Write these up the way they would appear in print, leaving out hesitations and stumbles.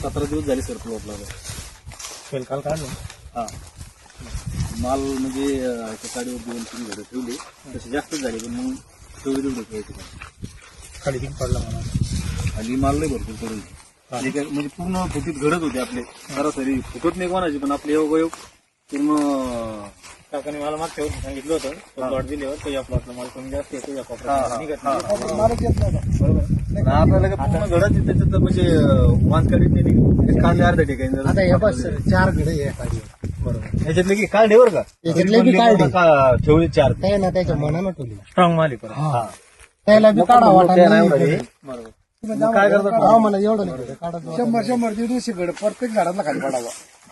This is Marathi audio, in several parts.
17 दिवस झाले सर प्लॉटला. फेल काल काढलं. हा माल म्हणजे एका गाडीवर 2-3 घडं ठेवले तसे जास्तच झाले पण मग 24 ठेवायचे. खाली किती पडला मला. खाली माल नाही भरपूर पडून म्हणजे पूर्ण फुटीत घडत होते आपले. सरासरी फुटत नाही कोणाची पण आपले योगायोग पूर्ण. काकाने मला मागच्या वर्षी सांगितलं होतं प्लॉट दिल्यावर तो या प्लॉटला माल कमी जास्त येतो या हा, हा. निघत नाही. मालच येत नव्हता. बरोबर. आपल्याला पूर्ण घडत त्याच्यात म्हणजे वानकडीत नाही कांदे अर्ध्या ठिकाणी. आता हे बस 4 घडे आहे गाडीवर. बरोबर. याच्यातले की काढे बरं का याच्यातले बी काढे. ठेवले 4 ते ना त्याच्या मनानं ठेवली. स्ट्रॉंग माल आहे परत. हा त्याला बी काढा वाटा नाही. बरोबर. मग काय करतात हा म्हणा एवढं नाही घडे काढा. 100 150 घड प्रत्येक झाडाला खाली पडावा.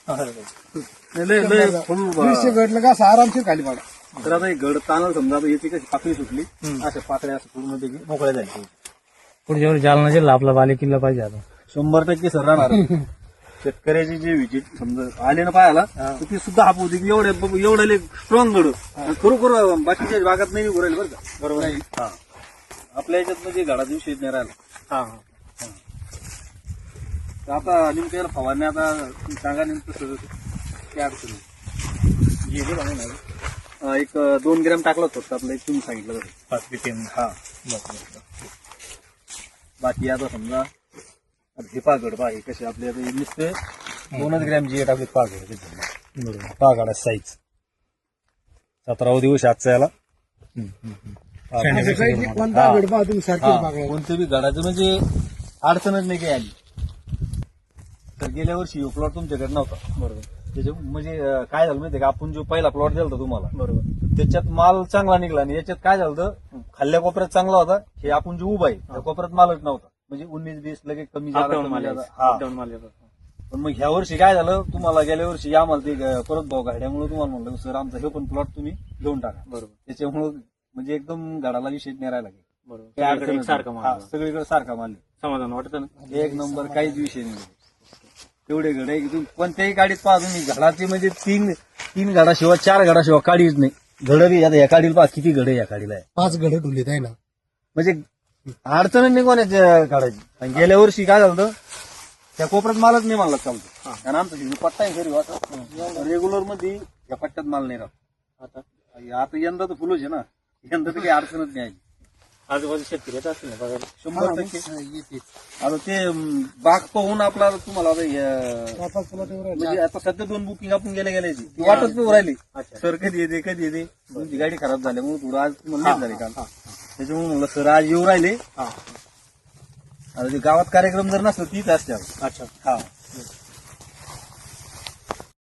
फुल 200 घडलं का असं आरामशीर खाली पडा. तर आता हे घड तानाला समजा आता याची कशी पाकळी सुटली अशा पाकळ्या असं पूर्ण पैकी मोकळ्या झाली. पुढच्या वेळी जालना जिल्हा आपला बाले किल्ला पाहिजे आता. 100% सर राहणार. शेतकऱ्याची जी विजिट समजा आले ना पाहायला तर ती सुद्धा हाप होती की एवढे स्ट्रॉंग घड खरोखर बाकीच्या भागात नाही उरायला बरं का. बरोबर. हा आपल्या याच्यात म्हणजे घडाचा विषय नाही राहिला. हा तर आता नेमक्या फवारणी आता तुम्ही सांगा नेमकं सगळं काय अडचण एक 2 ग्रॅम टाकलं फक्त आपलं एक तुम्ही सांगितलं तसं 5 ppm. हा. बाकी आता समजा हे पागड पहा हे कसे आपले आता नुसते 2 ग्रॅम जी टाकले पागड. बरोबर. पागड साईज 17 दिवस आजचा याला. कोणता घड पहा तुम्ही सारखी बघा. कोणते बी घडाचं म्हणजे अडचणच नाही काही आली. तर गेल्या वर्षी प्लॉट तुमच्याकडे नव्हता. बरोबर. त्याच्या म्हणजे काय झालं माहितीये का आपण जो पहिला प्लॉट दिला होता तुम्हाला बरोबर. त्याच्यात माल चांगला निघला आणि याच्यात काय झालं होतं खाल्ल्या कोपऱ्यात चांगला होता. हे आपण जो उभा आहे त्या कोपऱ्यात मालच नव्हता. म्हणजे 19-20 लगेच कमी झाला. अपडाऊन माल येतो. पण मग ह्या वर्षी काय झालं तुम्हाला गेल्या वर्षी आम्हाला ते परत भाव काढल्यामुळे तुम्हाला म्हणलं सर आमचा हे पण प्लॉट तुम्ही घेऊन टाका. बरोबर. त्याच्यामुळे म्हणजे एकदम झाडाला विषय नाही राहिला. बरोबर. सगळीकडे सारखं माल. सगळीकडे सारखा माल समाधान वाटतं ना. एक नंबर काहीच विषय नाही. तेवढे घड आहे की तुम्ही कोणत्याही गाडीत पहा तुम्ही घडाचे म्हणजे 3 घडाशिवाय 4 घडाशिवाय काढीच नाही. घड बी आता या काढीला पहा किती घड आहे या काढीला. 5 घडे ठेवलीत आहे ना. म्हणजे अडचण नाही कोणाच्या काढायची. आणि गेल्या वर्षी काय झालं होतं, त्या कोपऱ्यात मालच नाही मानला चालतो. आणि आमचा पट्टा आहे घरी वाटत रेग्युलर मध्ये या पट्ट्यात माल नाही राहत. आता यंदा तर फुलच आहे ना. यंदा तर काही अडचणच नाही. आजूबाजू शेतकरी येत असतील ना बघायला. 100%. आता ते बाग पाहून आपला तुम्हाला आता म्हणजे आता सध्या 2 बुकिंग आपण गेल्या ती वाटच नाही राहिली. सर कधी येते तुमची गाडी खराब झाल्यामुळे थोडं आज तुम्हाला लेट झाले काल. त्याच्यामुळे म्हणलं सर आज येऊ राहिले. आता ते गावात कार्यक्रम जर नसलं तीच असते. अच्छा. हा